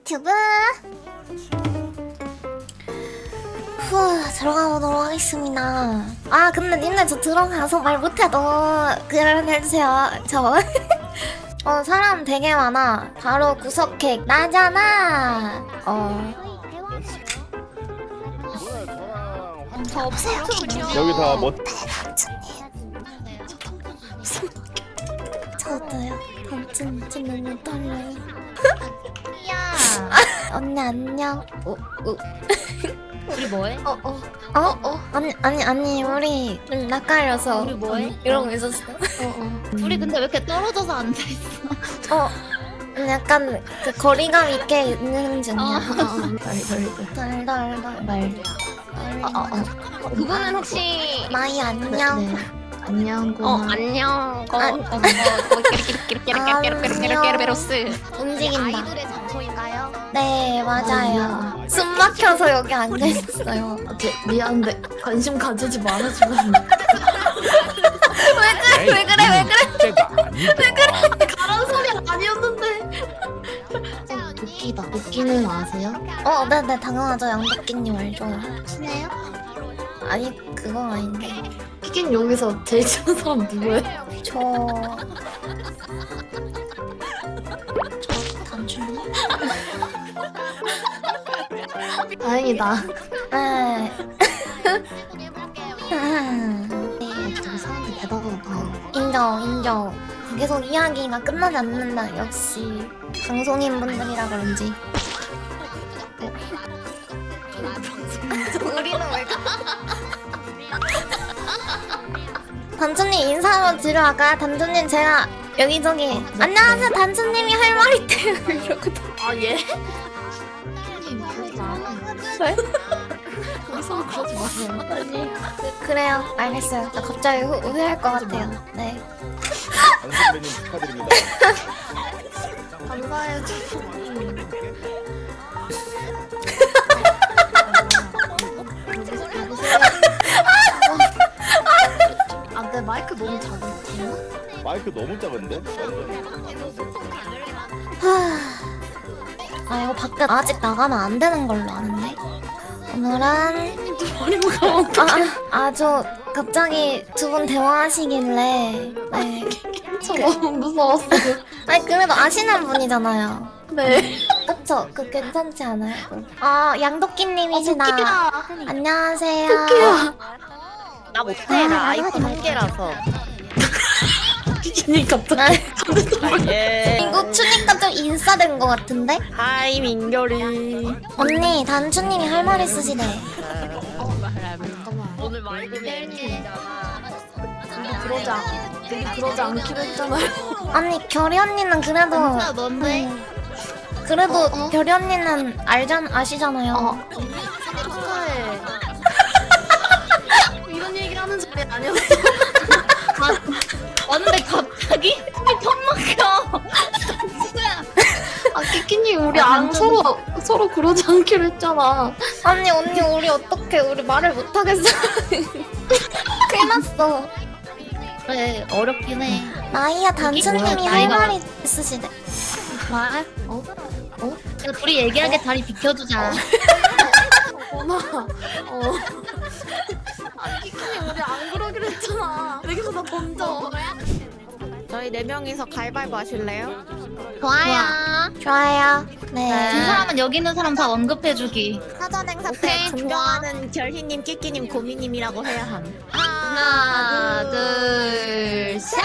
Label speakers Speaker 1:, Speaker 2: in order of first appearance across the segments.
Speaker 1: 유튜브 들어가 보도록 하겠습니다. 아 근데 님들 저 들어가서 말 못해도 그런 해주세요. 저 사람 되게 많아. 바로 구석객 나잖아.
Speaker 2: 저 없어요.
Speaker 3: 여기 다 뭐?
Speaker 1: 저도요. 단춘 너무 떨려요.
Speaker 2: 야,
Speaker 1: 언니 안녕.
Speaker 2: 우리 뭐해?
Speaker 1: 아니 우리 좀 낯가려서
Speaker 2: 우리 뭐해?
Speaker 1: 이러고 있었어.
Speaker 2: 우리 근데 왜 이렇게 떨어져서 앉아 있어?
Speaker 1: 약간 그 거리감 있게 있는 중이야. 덜덜덜.
Speaker 2: 그분은 혹시
Speaker 1: 마이 안녕.
Speaker 2: 안녕. 안녕.
Speaker 1: 끼르끼르끼르끼르끼르끼르끼르끼르끼르끼르끼르
Speaker 2: 움직인다.
Speaker 1: 움직인다.
Speaker 2: 아이돌의 장소인가요?
Speaker 1: 네 맞아요. 숨 막혀서 여기 앉아 있었어요.
Speaker 4: 미안한데 관심 가지지 말아주면
Speaker 1: 왜 그래?
Speaker 4: 가란 소리 아니었는데. 도끼다. 도끼는 아세요?
Speaker 1: 네네 당연하죠. 양도끼님 알죠.
Speaker 2: 친해요?
Speaker 1: 아니 그건 아닌데
Speaker 4: 피긴 여기서 제일 친한 사람 누구예요?
Speaker 1: 저 단춘이?
Speaker 4: 다행이다.
Speaker 1: 네.
Speaker 4: 저기 사람들 대단하다.
Speaker 1: 인정. 계속 이야기가 끝나지 않는다. 역시 방송인 분들이라 그런지. 우리는 왜? 단춘님 인사 한번 드려 갈까요? 단춘님 제가 여기저기 안녕하세요 단춘님이 할 말 있대요 이러거든.
Speaker 4: 아 예?
Speaker 1: 왜?
Speaker 4: 거기서 그러지 마세요.
Speaker 1: 아니 그래요 알겠어요. 나 갑자기 후회할 것 같아요. 네.
Speaker 3: 강 선배님 축하드립니다.
Speaker 4: 감사해요. 아, 내 마이크 너무 작은데?
Speaker 3: 마이크 너무 작은데? 완전.
Speaker 1: 이거 밖에 아직 나가면 안 되는 걸로 아는데. 오늘은 아주 갑자기 두 분 대화하시길래 네.
Speaker 4: 저 너무 무서웠어.
Speaker 1: 아니 그래도 아시는 분이잖아요.
Speaker 4: 네.
Speaker 1: 그쵸? 그 괜찮지 않아요? 양도끼님이시다. 안녕하세요.
Speaker 2: 나 못해. 나 아이폰 한 개라서.
Speaker 4: 피기니 갑자기.
Speaker 2: 예.
Speaker 1: 이거 추니까 좀 인싸된 것 같은데?
Speaker 2: 하이 민결이.
Speaker 1: 언니 단추님이 할 말 있으시네.
Speaker 2: 오늘 많이 고민했잖아.
Speaker 4: 그러지 않기로 했잖아요.
Speaker 1: 아니 결이 언니는 그래도
Speaker 2: 진짜 넌데?
Speaker 1: 그래도 결이 언니는 아시잖아요.
Speaker 4: 축하해. 이런 얘기를 하는 소리 아니었어.
Speaker 2: 왔는데 갑자기? 턱 막혀.
Speaker 4: 아, 키키님 우리 안 서로 그러지 않기로 했잖아.
Speaker 1: 아니 언니 우리 어떡해 우리 말을 못하겠어. 큰일 났어.
Speaker 2: 그래 어렵긴 해.
Speaker 1: 나이야 단추님이
Speaker 2: 뭐야,
Speaker 1: 할
Speaker 2: 나이가.
Speaker 1: 말이 있으시대.
Speaker 2: 말? 그냥 둘이 얘기하게 자리 비켜주자.
Speaker 4: 어머나. 아니 키키님 우리 안 그러기로 했잖아. 여기보다 먼저.
Speaker 5: 저희 4명이서 가위바위보 하실래요?
Speaker 1: 좋아요. 네.
Speaker 2: 두 사람은 여기 있는 사람 다 언급해주기.
Speaker 5: 사전 행사 때
Speaker 2: 오케이,
Speaker 5: 존경하는 결희님, 끼끼님, 고미님이라고 해야 함.
Speaker 2: 하나, 둘, 셋.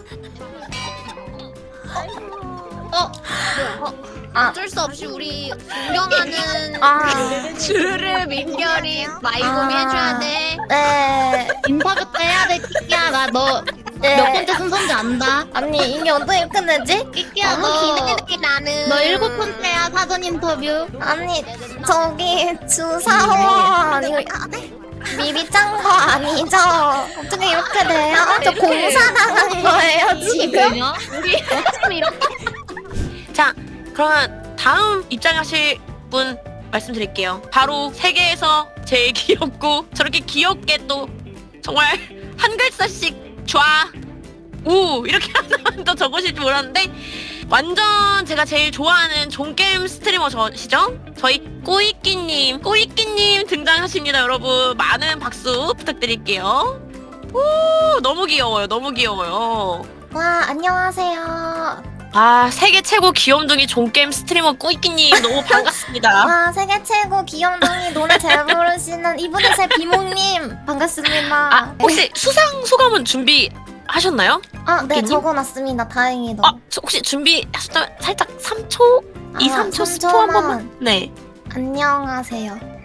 Speaker 5: 어쩔 수 없이 우리 존경하는 주르르 민결이 마이고미 해줘야 돼.
Speaker 1: 네.
Speaker 2: 인터뷰 때 해야 돼, 끼끼야. 나 너 몇
Speaker 1: 네.
Speaker 2: 번째 순서인지 안다.
Speaker 1: 아니 이게 어떻게 끝내지?
Speaker 2: 끼끼야,
Speaker 5: 너무 기대돼 나는.
Speaker 2: 너 7번째야, 사전 인터뷰.
Speaker 1: 아니 저기 주사원 이거 미리 짠 거 아니죠? 어떻게 이렇게 돼요? 저 공사 나간 거예요 지금?
Speaker 2: 지금요? 우리 지금 이렇게.
Speaker 6: 자, 그러면 다음 입장하실 분 말씀드릴게요. 바로 세계에서 제일 귀엽고 저렇게 귀엽게 또 정말 한 글자씩 좌, 우 이렇게 하나만 더 적으실 줄 몰랐는데 완전 제가 제일 좋아하는 종게임 스트리머시죠? 저희 꼬이끼님 등장하십니다, 여러분. 많은 박수 부탁드릴게요. 오, 너무 귀여워요. 너무 귀여워요.
Speaker 1: 와, 안녕하세요.
Speaker 6: 아, 세계 최고 귀염둥이 종게임 스트리머 꼬이끼님 너무 반갑습니다.
Speaker 1: 와, 세계 최고 귀염둥이 노래 잘 부르시는 이분의 새 비몽님 반갑습니다.
Speaker 6: 아, 혹시 수상 소감은 준비하셨나요?
Speaker 1: 아, 네,
Speaker 6: 끼님?
Speaker 1: 적어놨습니다. 다행히도.
Speaker 6: 혹시 준비하셨다면 살짝 3초? 2, 3초 스포 한 번만? 네.
Speaker 1: 안녕하세요.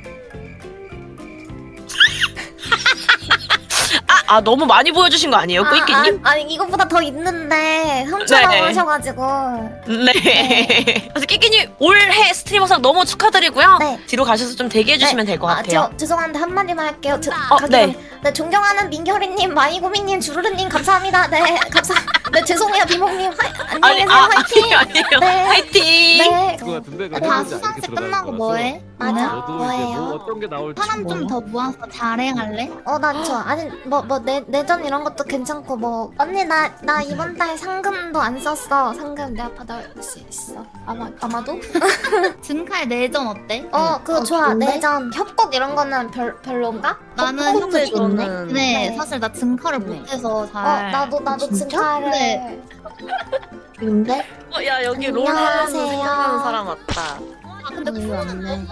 Speaker 6: 너무 많이 보여주신 거 아니에요, 꼬이끼님?
Speaker 1: 아니, 이것보다 더 있는데
Speaker 6: 네네.
Speaker 1: 훔쳐나오셔가지고.
Speaker 6: 네. 그래서 끼끼님 올해 스트리머상 너무 축하드리고요.
Speaker 1: 네.
Speaker 6: 뒤로 가셔서 좀 대기해주시면 될 것 같아요.
Speaker 1: 죄송한데 한마디만 할게요.
Speaker 6: 네.
Speaker 1: 네, 존경하는 민결이님, 마이구미님, 주르르님 감사합니다. 네, 네, 죄송해요, 비몽님. 안녕히 계세요, 화이팅!
Speaker 6: 아니에요.
Speaker 1: 네.
Speaker 6: 화이팅!
Speaker 1: 네.
Speaker 3: 그거 같은데
Speaker 2: 다 수상식 끝나고 뭐해?
Speaker 1: 맞아.
Speaker 3: 너도 이제
Speaker 1: 뭐예요?
Speaker 3: 뭐 어떤 게 나올지
Speaker 2: 사람 좀 더 모아서 자랭할래?
Speaker 1: 난 좋아. 아니, 내전 이런 것도 괜찮고, 언니, 나 이번 달 상금도 안 썼어. 상금 내가 받아올 수 있어. 아마도?
Speaker 2: 증칼 내전 어때?
Speaker 1: 그거 좋아.
Speaker 2: 좋은데?
Speaker 1: 내전. 협곡 이런 거는 별론가?
Speaker 2: 나는
Speaker 4: 협곡도
Speaker 2: 협곡
Speaker 4: 좋네.
Speaker 2: 근데
Speaker 1: 네.
Speaker 2: 사실 나 증칼을 못해서 잘.
Speaker 1: 나도
Speaker 2: 진짜?
Speaker 1: 증칼을.
Speaker 2: 네.
Speaker 4: 근데
Speaker 7: 야 여기 롤
Speaker 1: 안녕하세요.
Speaker 7: 하면서 생각나는 사람 왔다.
Speaker 2: 아 근데
Speaker 4: 이거 왔네.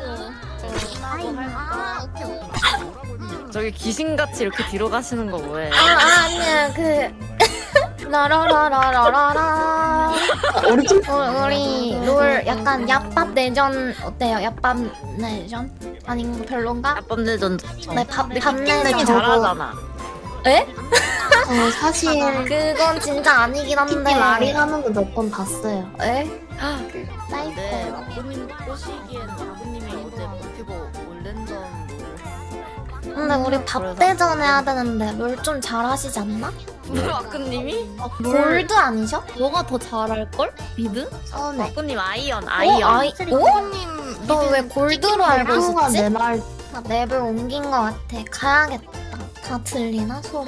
Speaker 7: 저기 귀신같이 이렇게 뒤로 가시는 거 뭐해?
Speaker 1: 아니야, 라라라라라라. 우리 롤 약간 얍밥 내전 어때요? 얍밥 내전? 아닌 거 별론가?
Speaker 7: 아빠 내전 좋죠.
Speaker 1: 네, 밥 내전
Speaker 7: 끼끼님이 잘하잖아.
Speaker 4: 사실
Speaker 1: 그건 진짜 아니긴 한데.
Speaker 4: 끼끼 말이 하는 거 몇 번 봤어요.
Speaker 1: 에?
Speaker 7: 네,
Speaker 1: 사이코.
Speaker 7: 아버님 꼬시기엔 아버님이 어제 버티고 올랜덤
Speaker 1: 근데 우리 밥 대전 해야 되는데 롤 좀 잘하시지 않나?
Speaker 7: 롤 아크님이?
Speaker 1: 골드 아니셔?
Speaker 2: 너가 더 잘할걸? 미드?
Speaker 1: 처음에.
Speaker 7: 아크님 아이언.
Speaker 1: 너 왜 골드로 알고
Speaker 4: 형아
Speaker 1: 있었지?
Speaker 4: 내말
Speaker 1: 나 맵을 옮긴 것 같아. 가야겠다. 다 들리나 소리?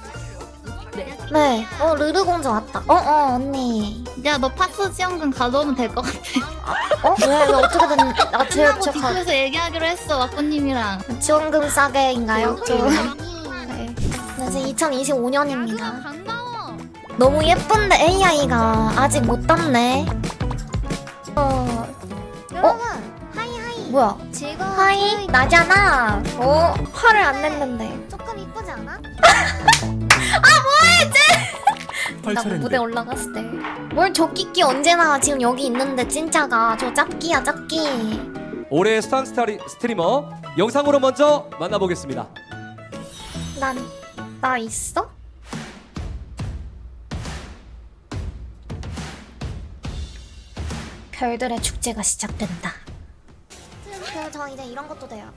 Speaker 1: 네. 르르 공주 왔다. 언니.
Speaker 2: 야 너 파스 지원금 가져오면 될 것 같아.
Speaker 1: 왜 어떻게 된?
Speaker 2: 끝나고 뒤에서 얘기하기로 했어 와꾸님이랑.
Speaker 1: 지원금 싸게인가요?
Speaker 2: 오케이, 오케이.
Speaker 1: 네. 이제 2025년입니다.
Speaker 2: 반가워.
Speaker 1: 너무 예쁜데 AI가 아직 못 땄네. 여러분, 하이. 뭐야? 지금 하이 나잖아. 화를 안 냈는데. 조금 이쁘지 않아? 나 무대 올라갔을 때. 뭘 저 끼끼 언제나 지금 여기 있는데 진짜가 저 짭끼야 짭끼.
Speaker 8: 올해의 수상 스트리머 영상으로 먼저 만나보겠습니다.
Speaker 1: 나 있어? 별들의 축제가 시작된다. 저 이제 이런 것도 돼요.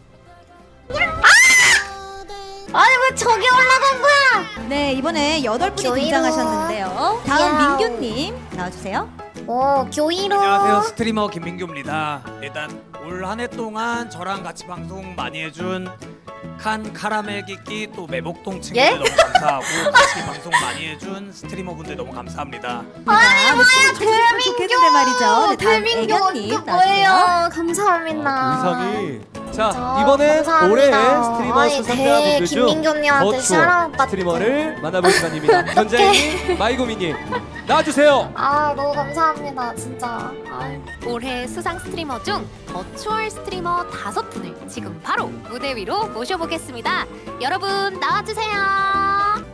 Speaker 1: 아니 왜 저기 올라간 거야?
Speaker 9: 네, 이번에 8분이
Speaker 1: 교이로.
Speaker 9: 등장하셨는데요. 다음
Speaker 1: 야우.
Speaker 9: 민규님 나와주세요.
Speaker 1: 교이로.
Speaker 10: 안녕하세요, 스트리머 김민규입니다. 일단 올 한 해 동안 저랑 같이 방송 많이 해준 칸 카라멜 끼끼 또 매복동 친구들
Speaker 1: 예?
Speaker 10: 너무 감사하고 같이 방송 많이 해준 스트리머분들 너무 감사합니다.
Speaker 9: 아니 뭐야, 좋겠는데 말이죠. 네, 다음 애견님 나와주세요.
Speaker 1: 뭐예요? 감사합니다.
Speaker 8: 의상이 자
Speaker 1: 저
Speaker 8: 이번엔
Speaker 1: 감사합니다.
Speaker 8: 올해의 스트리머
Speaker 1: 아니,
Speaker 8: 수상자분들 중
Speaker 1: 김민규님한테
Speaker 8: 버추어
Speaker 1: 샤라웃
Speaker 8: 스트리머를 만나볼 시간입니다. 현재님 마이구미님 나와주세요.
Speaker 1: 너무 감사합니다 진짜.
Speaker 11: 올해 수상 스트리머 중 버추얼 스트리머 5분을 지금 바로 무대 위로 모셔보겠습니다. 여러분 나와주세요.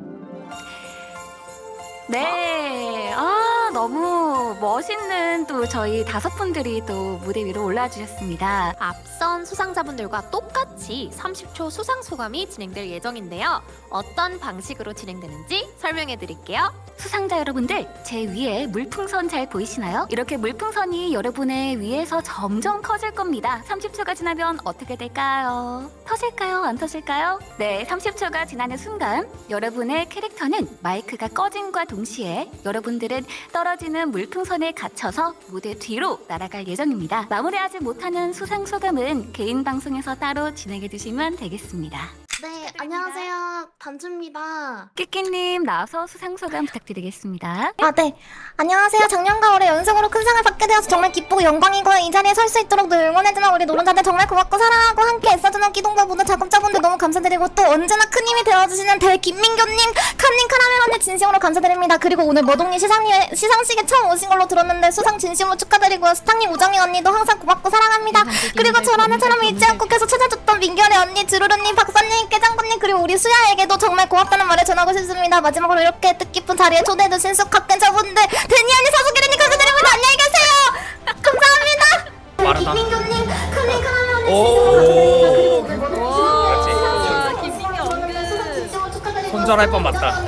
Speaker 11: 네, 너무 멋있는 또 저희 5분들이 또 무대 위로 올라주셨습니다. 앞선 수상자분들과 똑같이 30초 수상 소감이 진행될 예정인데요. 어떤 방식으로 진행되는지 설명해 드릴게요. 수상자 여러분들, 제 위에 물풍선 잘 보이시나요? 이렇게 물풍선이 여러분의 위에서 점점 커질 겁니다. 30초가 지나면 어떻게 될까요? 터질까요? 안 터질까요? 네, 30초가 지나는 순간 여러분의 캐릭터는 마이크가 꺼짐과 동시에 여러분들은 떨어지는 물풍선에 갇혀서 무대 뒤로 날아갈 예정입니다. 마무리하지 못하는 수상 소감은 개인 방송에서 따로 진행해 주시면 되겠습니다.
Speaker 4: 네, 안녕하세요. 단추입니다.
Speaker 11: 끼끼님 나와서 수상 소감 부탁드리겠습니다.
Speaker 1: 아, 네. 안녕하세요. 작년과 올해 연속으로 큰 상을 받게 되어서 정말 기쁘고 영광이고요. 이 자리에 설 수 있도록 늘 응원해주는 우리 노른자들 정말 고맙고 사랑하고 함께 애써주는 기동과 모든 작업자분들 너무 감사드리고 또 언제나 큰 힘이 되어주시는 대 김민교님, 칸님, 카라멜 언니 진심으로 감사드립니다. 그리고 오늘 머동님 시상식에 처음 오신 걸로 들었는데 수상 진심으로 축하드리고요. 스탕님, 우정이 언니도 항상 고맙고 사랑합니다. 그리고 저라는 사람을 잊지 않고 계속 찾아줬던 민결의 언니, 주루루님, 박사님, 깨장군님 그리고 우리 수야에게도 정말 고맙다는 말을 전하고 싶습니다. 마지막으로 이렇게 뜻깊은 자리에 초대해주신 숙학견자분들 데니 언니, 사수기린님 감사드립니다. 안녕히 계세요. 감사합니다.
Speaker 10: 빠르다.
Speaker 1: 김민교님, 칸님, 카라멜 언니
Speaker 3: 오.
Speaker 10: 손절할 뻔 맞다.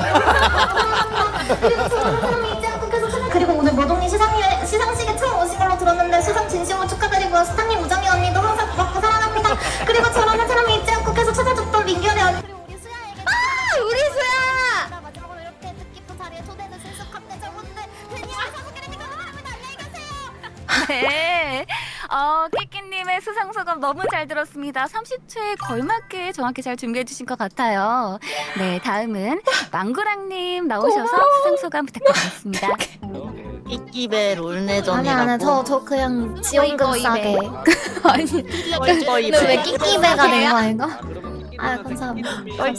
Speaker 1: 그리고 오늘 머동님 시상식에 처음 오신 걸로 들었는데 수상 진심으로 축하드리고요. 스탕님, 우정이 언니도 항상 고맙고 사랑합니다. 그리고 저라는 사람을 잊지 않고 계속 찾아줬던 민결의 언니 그리고 우리 수야에게 우리 수야! 마지막으로 이렇게 뜻깊은 자리에 초대해주신 숙학대자분들 데니와 사수기린님 감사합니다. 안녕히 가세요.
Speaker 11: 네. 끼끼님의 수상 소감 너무 잘 들었습니다. 30초에 걸맞게 정확히 잘 준비해 주신 것 같아요. 네, 다음은 망구랑님 나오셔서 수상 소감 부탁드리겠습니다.
Speaker 5: 끼끼배 롤내전이라고.
Speaker 1: 아니 저 그냥 지원금 싸게 아니
Speaker 5: 뻘뻘이
Speaker 1: 근데 왜 끼끼배가 된 거야 이거? 아 감사합니다.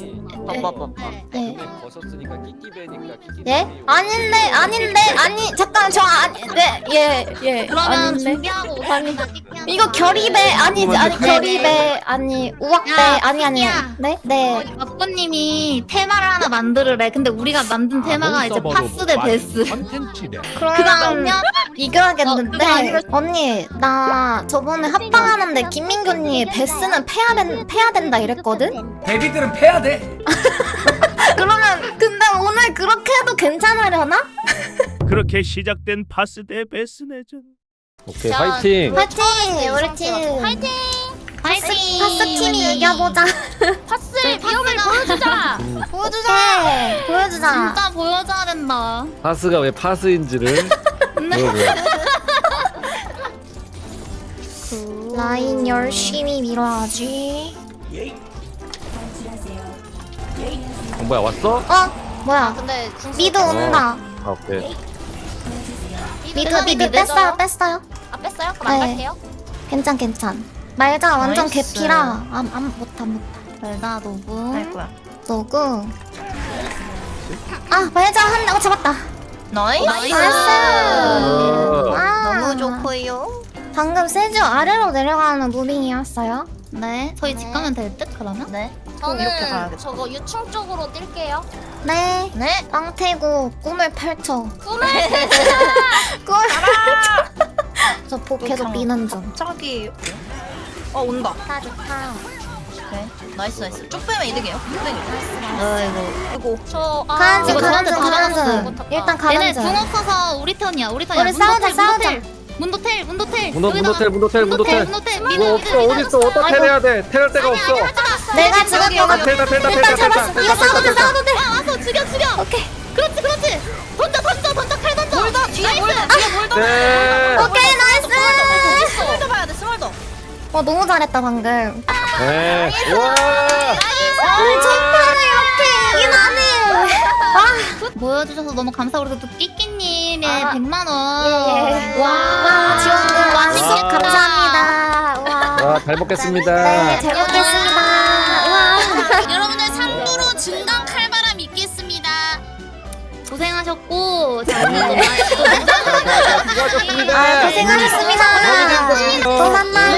Speaker 1: 네.
Speaker 8: 벗었으니까 끼끼배니까 끼끼.
Speaker 1: 예? 아니 잠깐 저 예.
Speaker 2: 그러면
Speaker 1: 아닌데.
Speaker 2: 준비하고 오셨습니다.
Speaker 1: 이거 결의배 아니지 아니 결의배 아니 우악배
Speaker 2: 야,
Speaker 1: 아니
Speaker 2: 끼끼야.
Speaker 1: 네.
Speaker 2: 아빠님이 테마를 하나 만들으래. 근데 우리가 만든 테마가 이제 파스 대 베스.
Speaker 1: 그럼 이겨야겠는데 언니 나 저번에 합방하는데 김민교님 베스는 패야 된다 이랬거든?
Speaker 10: 데뷔들은 패야 돼.
Speaker 1: 그러면 근데 오늘 그렇게 해도 괜찮으려나?
Speaker 3: 그렇게 시작된 파스 대 베스 내전.
Speaker 8: 오케이 화이팅.
Speaker 1: 파이팅 우리 팀
Speaker 2: 파이팅!
Speaker 1: 파스 팀이 이겨보자
Speaker 2: 파스의 위험을 보여주자!
Speaker 1: 보여주자
Speaker 2: 진짜 보여줘야 된다.
Speaker 8: 파스가 왜 파스인지를. 뭐야.
Speaker 1: 라인 열심히 밀어야지
Speaker 8: 뭐야 왔어?
Speaker 1: 뭐야
Speaker 2: 근데
Speaker 1: 미드 온다
Speaker 8: 아 오케이.
Speaker 1: 미드 뺐어요
Speaker 2: 아 뺐어요? 그럼 안
Speaker 1: 네.
Speaker 2: 갈게요.
Speaker 1: 괜찮 말자 완전
Speaker 2: 나이스.
Speaker 1: 개피라 못하
Speaker 2: 말자 노브.
Speaker 5: 할 거야.
Speaker 1: 너구 말자 한다고 잡았다
Speaker 5: 나이스. 너무 좋고요.
Speaker 1: 방금 세주 아래로 내려가는 무빙이었어요
Speaker 2: 네. 저희 집 가면 될 듯 그러면?
Speaker 5: 네.
Speaker 2: 저는
Speaker 5: 이렇게 가야겠다.
Speaker 2: 저거 유충 쪽으로 뛸게요.
Speaker 1: 네
Speaker 5: 네.
Speaker 1: 빵태고 꿈을 펼쳐
Speaker 2: 꿈을
Speaker 1: 저 복 계속 미는 중
Speaker 5: 갑자기. 온다.
Speaker 1: 좋다
Speaker 5: 네. 나이스. 쭉 빼면 이득이에요. 아이고.
Speaker 1: 가는 중 일단 가는
Speaker 2: 얘네
Speaker 1: 중
Speaker 2: 궁 없어서 우리 턴이야. 우리 턴이야.
Speaker 1: 우리 싸우자
Speaker 2: 문도텔.
Speaker 8: 문도텔.
Speaker 2: 이거
Speaker 8: 없어 어딨어 어떻게 해야 돼? 태울 데가 없어.
Speaker 1: 내가 죽었어
Speaker 8: 텔다.
Speaker 1: 일단 잡았어 이거 싸워도 돼
Speaker 2: 와서 죽여.
Speaker 1: 오케이
Speaker 2: 그렇지. 던져 칼 던져.
Speaker 5: 몰더 뒤에 몰더.
Speaker 8: 네.
Speaker 1: 오케이 나이스
Speaker 5: 스몰더 봐야 돼. 스몰더.
Speaker 1: 너무 잘했다 방금
Speaker 8: 네. 와.
Speaker 1: 첫판에 이렇게 이긴 하네
Speaker 2: 보여주셔서 너무 감사하고 그리고 또 끼끼님의 100만 원.
Speaker 1: 와 지원금 완식 감사합니다
Speaker 8: 잘 먹겠습니다.
Speaker 1: 네잘 먹겠습니다 와
Speaker 2: 여러분들 3부로 중간 칼바람 있겠습니다. 고생하셨고 잘
Speaker 8: 수고하셨습니다.
Speaker 1: 고생하셨습니다 또 만나요